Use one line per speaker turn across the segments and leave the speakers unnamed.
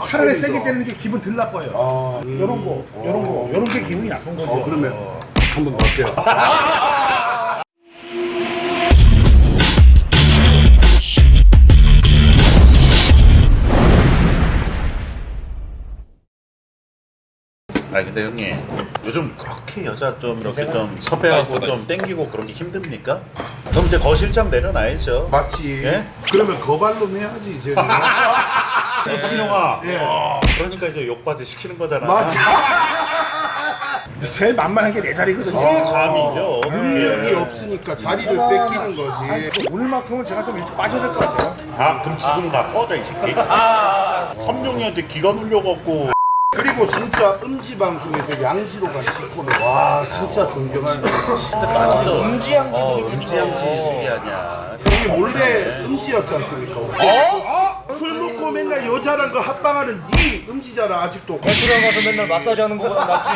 차라리 세게 때리는 게 기분 덜 나빠요. 요런 게 기분이 나쁜 거죠.
그러면 한번 어때요?
아니 근데 형님 요즘 그렇게 여자 좀 이렇게 좀 섭외하고 좀 땡기고 그런 게 힘듭니까? 그럼 이제 거실장 내려놔야죠.
맞지.
예?
그러면 거발로 해야지 이제.
이kin형아
예.
그러니까 이제 욕받이 시키는 거잖아.
맞지.
제일 만만한 게 내 자리거든요.
감이죠.
능력이 없으니까 자리를 뺏기는 거지.
오늘만큼은 제가 좀 일찍 빠져야 될 것 같아요.
아 그럼 지금 나 꺼져 이 새끼. 삼룡이한테 기가 눌려갖고.
그리고 진짜 음지 방송에서 양지로 간 지코는 와 진짜 존경하는.
음지양지 수리 아니야.
형이 원래 음지였지 않습니까? 술 먹고 맨날 여자랑 그 합방하는 이 음지잖아 아직도.
들어가서 맨날 마사지 하는 거보다 낫지.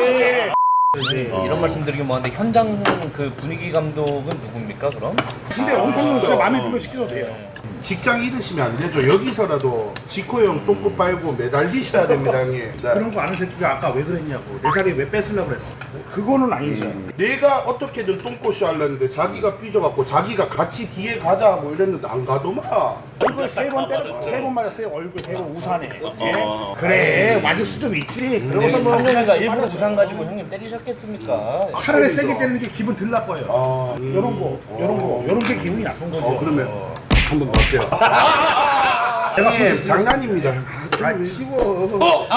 이런 말씀드리긴 뭐한데 현장 그 분위기 감독은 누굽니까 그럼?
근데 엄청 제가 마음에 들면 시켜도 돼요.
직장 잃으시면 안 되죠. 여기서라도 지코 형 똥꼬 빨고 매달리셔야 됩니다 형님. 네.
그런 거 아는 새끼가 아까 왜 그랬냐고. 내 자리 왜 뺏으려고 그랬어. 그거는 아니죠.
내가 어떻게든 똥꼬쇼 하려는데 자기가 삐져갖고 자기가 같이 뒤에 가자 하고 이랬는데 안 가더만.
얼굴 세 번 맞았어요. 얼굴 3번 우산에. 예? 그래 맞을 수 좀 있지. 그러고서 뭐
상영이가 일부러 부상 가지고 형님 때리셨겠습니까?
차라리 세게 때리는 게 기분 덜 나빠요. 요런 게 기분이 나쁜 거죠.
그러면 한번 어때요? 형님 장난입니다. 치워.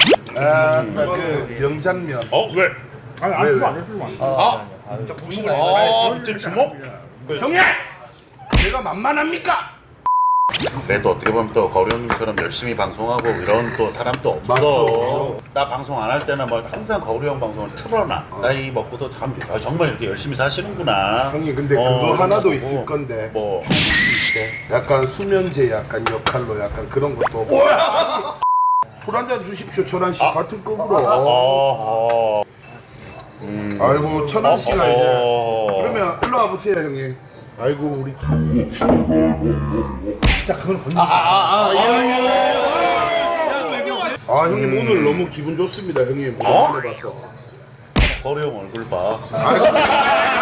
그 명장면.
왜?
아니 안 했어 안 했어.
밑에 주먹?
형님! 제가 만만합니까?
그래도 어떻게 보면 또 거리 형님처럼 열심히 방송하고 이런 또 사람도 없어.
맞죠.
나 방송 안 할 때는 뭐 항상 거리 형 방송을 틀어놔. 나이 먹고도 참 정말 이렇게 열심히 사시는구나.
형님 근데 그거 하나도
그러고.
있을 건데
뭐?
주무실 때 약간 수면제 약간 역할로 약간 그런 것도 술 한잔 주십시오 천한 씨 같은 급으로. 아이고 천한 씨가 이제 그러면 일로 와보세요 형님. 아이고 우리
진짜 그건 건드리지
아 형님 오늘 너무 기분 좋습니다 형님. 오랜만에 봐서.
거리 형 얼굴 봐.
아이고.